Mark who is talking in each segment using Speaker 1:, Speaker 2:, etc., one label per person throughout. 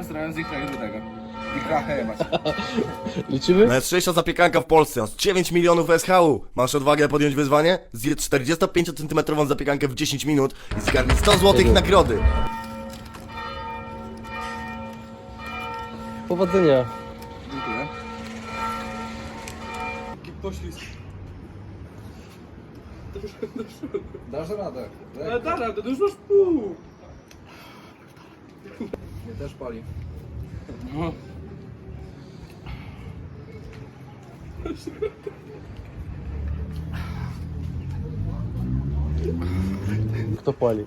Speaker 1: postarałem z ikra do tego. Ikra hejebać.
Speaker 2: Liczymy?
Speaker 3: Najostrzejsza zapiekanka w Polsce, aż 9 milionów SHU. Masz odwagę podjąć wyzwanie? Zjedz 45 cm zapiekankę w 10 minut i zgarnij 100 zł nagrody.
Speaker 2: Powodzenia.
Speaker 1: Dziękuję.
Speaker 4: Poślizg.
Speaker 1: Dasz radę.
Speaker 4: Ale da radę, to już masz pół.
Speaker 1: Mnie też pali.
Speaker 4: No.
Speaker 2: Kto pali?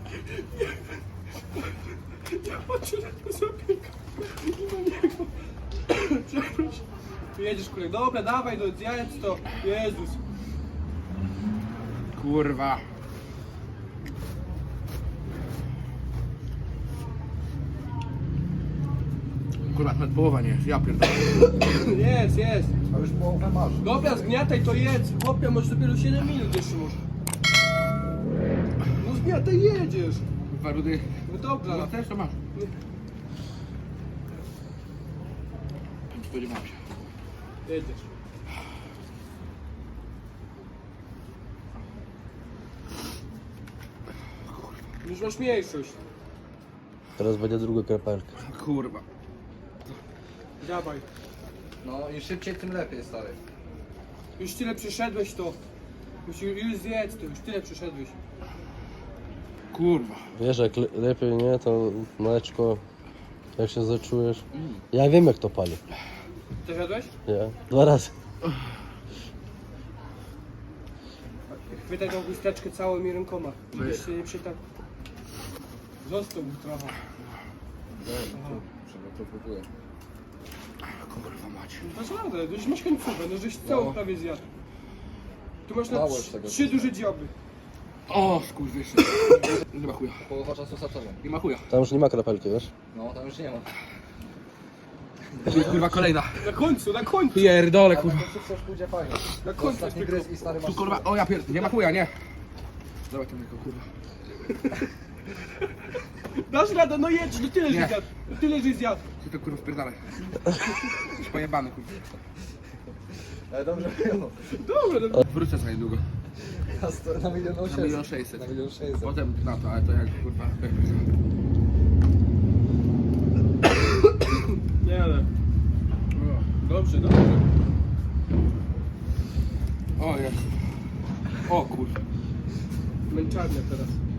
Speaker 4: Ja patrzę na to zapieka. I na niego. Przepraszam. Jedziesz, kurek. Dobra, dawaj, no zjedz to. Jezus.
Speaker 1: Kurwa. Kurwa, nawet połowa nie jest, ja pierdolę.
Speaker 4: Jest, jest.
Speaker 1: A już połowę masz.
Speaker 4: Dobra, zgniataj to jedz. Chłopie, może dopiero 7 minut jeszcze może. No zgniataj, jedziesz.
Speaker 1: Kurwa, rudy.
Speaker 4: No dobra.
Speaker 1: No też to masz. Nie spodziewałem się.
Speaker 4: Jedziesz. Już masz mniejszość.
Speaker 2: Teraz będzie druga kropelka.
Speaker 1: Kurwa.
Speaker 4: Dawaj.
Speaker 5: No i szybciej tym lepiej, stary.
Speaker 4: Już tyle przeszedłeś to. Już zjedz to, już tyle przeszedłeś.
Speaker 1: Kurwa.
Speaker 2: Wiesz, jak lepiej nie, to mleczko, jak się zaczujesz. Ja wiem, jak to pali.
Speaker 4: Ty jadłeś?
Speaker 2: Nie? 2 razy.
Speaker 4: Chwytaj tą chusteczkę całymi rękoma. Żebyś się nie przytak. Został mu trochę.
Speaker 5: To próbuję.
Speaker 1: Kurwa macie.
Speaker 4: Dasz radę, już masz końcówkę, no żeś całą
Speaker 5: No.
Speaker 4: prawie zjadł. Tu masz na
Speaker 5: Mało już tego
Speaker 4: 3 duże dzioby.
Speaker 1: O, skurwyszy. Nie ma chuja.
Speaker 5: Połowa czasu straconą.
Speaker 1: Nie ma chuja.
Speaker 2: Tam już nie ma kropelki, wiesz?
Speaker 5: No, tam już nie ma.
Speaker 1: To jest kurwa kolejna.
Speaker 4: Na końcu, na końcu.
Speaker 1: Pierdolę,
Speaker 5: Ale
Speaker 1: kurwa.
Speaker 5: to wszystko już pójdzie fajnie.
Speaker 4: Na końcu.
Speaker 5: Ostatni gryz i stary masz...
Speaker 1: Tu kurwa, o ja pierdolę, nie ma chuja, nie. Dawaj to mleko, kurwa.
Speaker 4: Dasz radę, no jedź, no tyle
Speaker 1: Nie.
Speaker 4: żeś zjadł. No tyle żeś zjadł.
Speaker 1: Ty to kurwa wpierdalaj. Już pojebany, kurwa.
Speaker 5: Ale dobrze było.
Speaker 4: Dobra, no.
Speaker 1: Wrócę za niedługo.
Speaker 5: Na 1
Speaker 1: Na 1
Speaker 5: 600.
Speaker 1: 600.
Speaker 5: Na 1 600.
Speaker 1: Potem na to, ale to jak kurwa, jak będzie.
Speaker 4: Nie, ale. Dobrze, dobrze.
Speaker 1: O jest. O kurwa.
Speaker 4: Męczarnia teraz.